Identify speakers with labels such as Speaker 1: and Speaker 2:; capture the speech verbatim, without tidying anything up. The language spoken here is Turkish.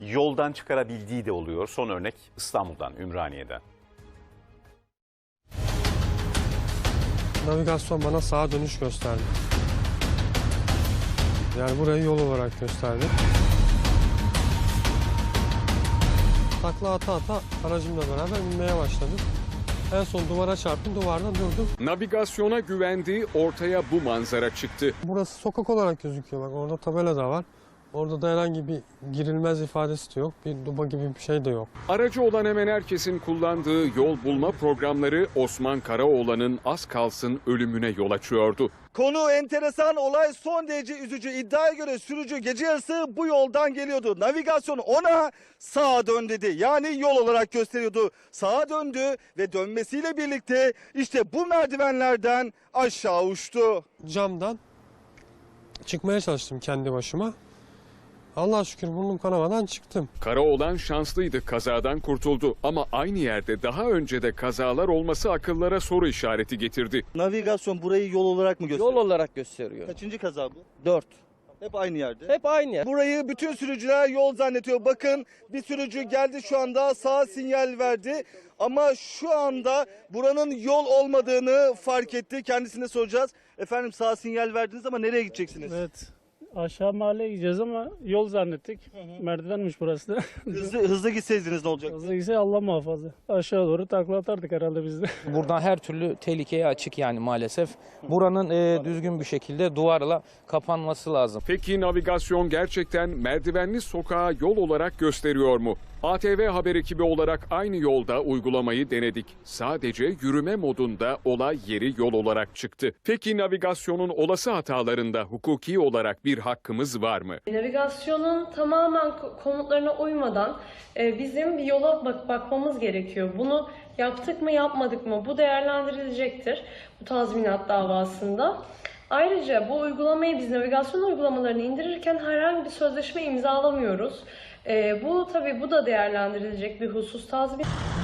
Speaker 1: yoldan çıkarabildiği de oluyor. Son örnek İstanbul'dan, Ümraniye'den.
Speaker 2: Navigasyon bana sağa dönüş gösterdi. Yani burayı yol olarak gösterdi. Takla ata ata aracımla beraber inmeye başladım. En son duvara çarptım, duvardan durdum.
Speaker 3: Navigasyona güvendiği ortaya bu manzara çıktı.
Speaker 2: Burası sokak olarak gözüküyor, bak orada tabela da var. Orada da herhangi bir girilmez ifadesi de yok, bir duba gibi bir şey de yok.
Speaker 3: Aracı olan hemen herkesin kullandığı yol bulma programları Osman Karaoğlan'ın az kalsın ölümüne yol açıyordu.
Speaker 4: Konu enteresan, olay son derece üzücü. İddiaya göre sürücü gece yarısı bu yoldan geliyordu. Navigasyon ona sağa dön dedi. Yani yol olarak gösteriyordu. Sağa döndü ve dönmesiyle birlikte işte bu merdivenlerden aşağı uçtu.
Speaker 2: Camdan çıkmaya çalıştım kendi başıma. Allah'a şükür burnum kanamadan çıktım.
Speaker 3: Karaoğlan şanslıydı, kazadan kurtuldu ama aynı yerde daha önce de kazalar olması akıllara soru işareti getirdi.
Speaker 4: Navigasyon burayı yol olarak mı gösteriyor?
Speaker 5: Yol olarak gösteriyor.
Speaker 4: Kaçıncı kaza bu?
Speaker 5: Dört.
Speaker 4: Hep aynı yerde.
Speaker 5: Hep aynı yer.
Speaker 4: Burayı bütün sürücüler yol zannediyor. Bakın bir sürücü geldi şu anda, sağa sinyal verdi. Ama şu anda buranın yol olmadığını fark etti. Kendisine soracağız. Efendim sağ sinyal verdiniz ama nereye gideceksiniz?
Speaker 6: Evet. Aşağı mahalleye gideceğiz ama yol zannettik. Merdivenmiş burası da.
Speaker 4: Hızlı, hızlı gitseydiniz ne olacak?
Speaker 6: Hızlı gitse Allah muhafaza. Aşağı doğru takla atardık herhalde biz de.
Speaker 7: Buradan her türlü tehlikeye açık yani maalesef. Buranın e, düzgün bir şekilde duvarla kapanması lazım.
Speaker 3: Peki navigasyon gerçekten merdivenli sokağa yol olarak gösteriyor mu? A T V Haber ekibi olarak aynı yolda uygulamayı denedik. Sadece yürüme modunda olay yeri yol olarak çıktı. Peki navigasyonun olası hatalarında hukuki olarak bir hakkımız var mı?
Speaker 8: Navigasyonun tamamen komutlarına uymadan e, bizim bir yola bak bakmamız gerekiyor. Bunu yaptık mı yapmadık mı bu değerlendirilecektir bu tazminat davasında. Ayrıca bu uygulamayı biz navigasyon uygulamalarını indirirken herhangi bir sözleşme imzalamıyoruz. E, bu tabii bu da değerlendirilecek bir husus. Tazminat